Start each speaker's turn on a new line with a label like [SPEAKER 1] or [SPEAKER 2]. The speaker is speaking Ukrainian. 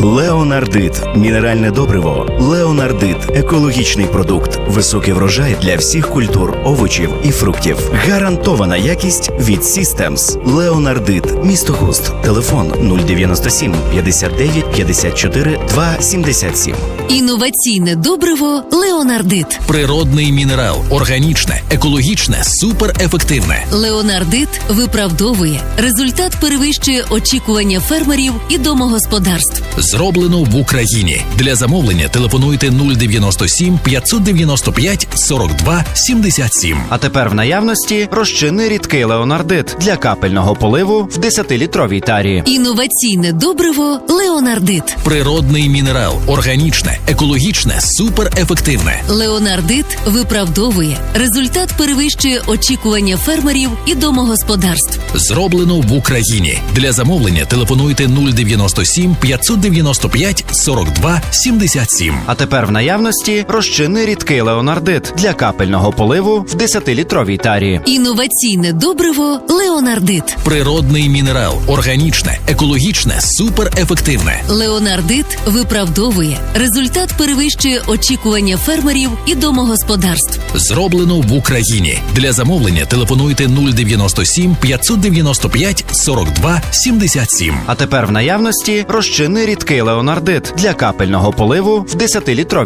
[SPEAKER 1] Леонардит – мінеральне добриво. Леонардит – екологічний продукт. Високий врожай для всіх культур, овочів і фруктів. Гарантована якість від Systems. Леонардит. Місто Хуст. Телефон 097 59 54 277.
[SPEAKER 2] Інноваційне добриво Леонардит.
[SPEAKER 3] Природний мінерал, органічне, екологічне, суперефективне.
[SPEAKER 2] Леонардит виправдовує. Результат перевищує очікування фермерів і домогосподарств.
[SPEAKER 3] Зроблено в Україні. Для замовлення телефонуйте 097 595 42 77.
[SPEAKER 4] А тепер в наявності розчинний рідкий леонардит для капельного поливу в 10-літровій тарі.
[SPEAKER 2] Інноваційне добриво Леонардит.
[SPEAKER 3] Природний мінерал, органічне, екологічне, суперефективне.
[SPEAKER 2] Леонардит виправдовує. Результат перевищує очікування фермерів і домогосподарств.
[SPEAKER 3] Зроблено в Україні. Для замовлення телефонуйте 097 595 42 77.
[SPEAKER 4] А тепер в наявності розчинний рідкий леонардит для капельного поливу в 10-літровій тарі.
[SPEAKER 2] Інноваційне добриво Леонардит.
[SPEAKER 3] Природний мінерал, органічне, екологічне, суперефективне.
[SPEAKER 2] Леонардит виправдовує. Результат перевищує очікування фермерів і домогосподарств.
[SPEAKER 3] Зроблено в Україні. Для замовлення телефонуйте 097 595 42 77.
[SPEAKER 4] А тепер в наявності розчинний рідкий леонардит для капельного поливу в 10-літровій